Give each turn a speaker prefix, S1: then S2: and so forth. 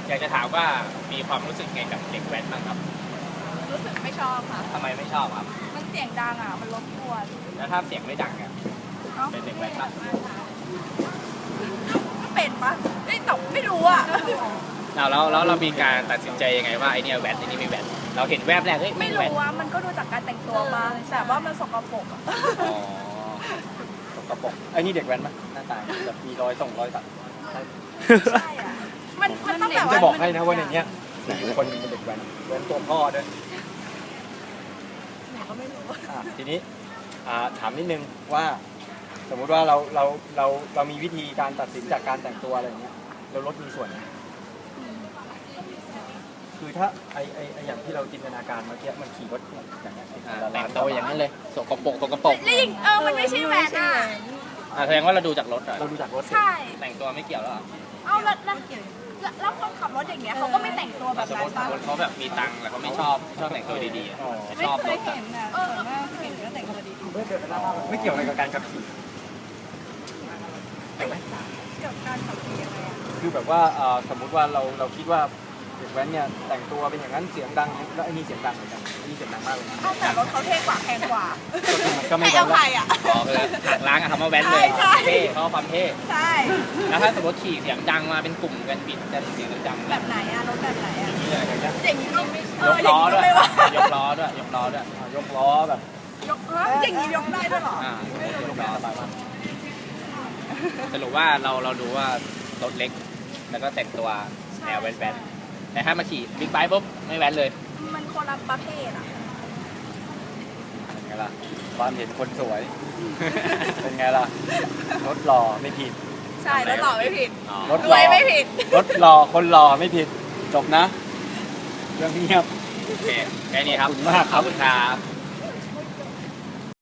S1: อยากจะถามว่ามีความรู้สึกไงกับเด็กแว้นบ้างครับ
S2: รู้สึกไม่ชอบค่ะ
S1: ทำไมไม่ชอบครับ
S2: มันเสียงดังอ่ะมันรบกวน
S1: แล้วถ้าเสียงไม่ดังอ่ะเป็นเด็กแว้นปะ
S2: ไม่เป็นปะไม่ตอบไม่รู้อ่ะ
S1: แล้วเรามีการตัดสินใจยังไงว่าไอเนี่ยแว้นไอนี่ไม่แว้นเราเห็นแวบแรกเฮ้ย
S2: ไม่รู้ว่ามันก็ดูจากการแต่งตัวมาแต่ว่ามันสกปรกอ่ะ
S3: สกปรกไอ้นี่เด็กแว้นปะหน้าตาแบบมีรอยตัด
S2: ใช่อ่ะมันต้องแบบ
S3: จะบอกให้นะว่าในเนี้ยคนเป็นเด็กแว้นตัวพ่อด้วย
S2: ไหนก็ไม่รู้
S3: ทีนี้ถามนิดนึงว่าสมมุติว่าเรามีวิธีการตัดสินจากการแต่งตัวอะไรอย่างเงี้ยเราลดมีส่วนคือถ้าไออย่างที่เราจินตนาการเมื่อกี้มันขี่รถอย่างเงี้ย
S1: แต่งตัวอย่างนั้นเลยสกปรก
S2: แล้วยิงมันไม่ใช่แหวนอ่ะ
S1: แสดงว่าเราดูจากรถ
S3: เราดูจากรถ
S2: ใช่
S1: แต่งตัวไม่เกี่ยวแล้ว
S2: แล้วคนขับรถอย่างเงี้ยเขาก็ไม่แต่งตัวแบบนั้นป่ะ
S1: เขาแบบมีตังค์แล้วเขาไม่ชอบแต่งตัวดีๆชอบรถ
S2: เห็นนะส่วนมากเห็นก็แต่งตัวดี
S3: ๆไม่เกี่ยวอะไรกับการขับขี่
S2: เกี่ยวกับการขับขี่อะไร
S3: คือแบบว่าสมมุติว่าเราคิดว่าเด็กแว้นเนี่ยแต่งตัวเป็นอย่างนั้นเสียงดังแล้วไอ้นี่เสียงดังเหมือนกันไอ้นี่เสียงดังมากเลยนะ
S2: แต่รถเขาเท่กว่าแพงกว่า
S3: ก็ไม่
S2: เอาใครอ่ะ
S1: หักล้างอะทำมาแว้นเลยเท่เขาความเท่
S2: ใช่
S1: แล้วถ้าสมมติขี่เสียงดังมาเป็นกลุ่มกันบิดกันเสียงดัง
S2: แบบไหนอะรถแบบไหนอะอย่างนี้ไม่
S1: ยกล้อด้วยยกล้อแบบ
S3: ยกล้อ
S2: อย่างนี้ยกได้ด้วยหรอย
S1: กล้อสบายมากสรุปว่าเราดูว่ารถเล็กแล้วก็แต่งตัวแนวแว้นแต่ถ้ามาขี่บิ๊กไบค์ปุ๊บไม่แว้นเลย
S2: มันคนละประเภทอ่ะ
S3: เป็นไงล่ะความเห็นคนสวยเป็นไงล่ะรถหล่อไม่ผิด
S2: ใช่รถหล่อไม่ผิด
S3: รถรวย
S2: ไม่ผิด
S3: รถหล่อคนหล่อไม่ผิดจบนะเรื่องเงียบ
S1: โอเคแค่นี้ครับ
S3: ขอบคุณมาก
S1: ขอบคุณครับ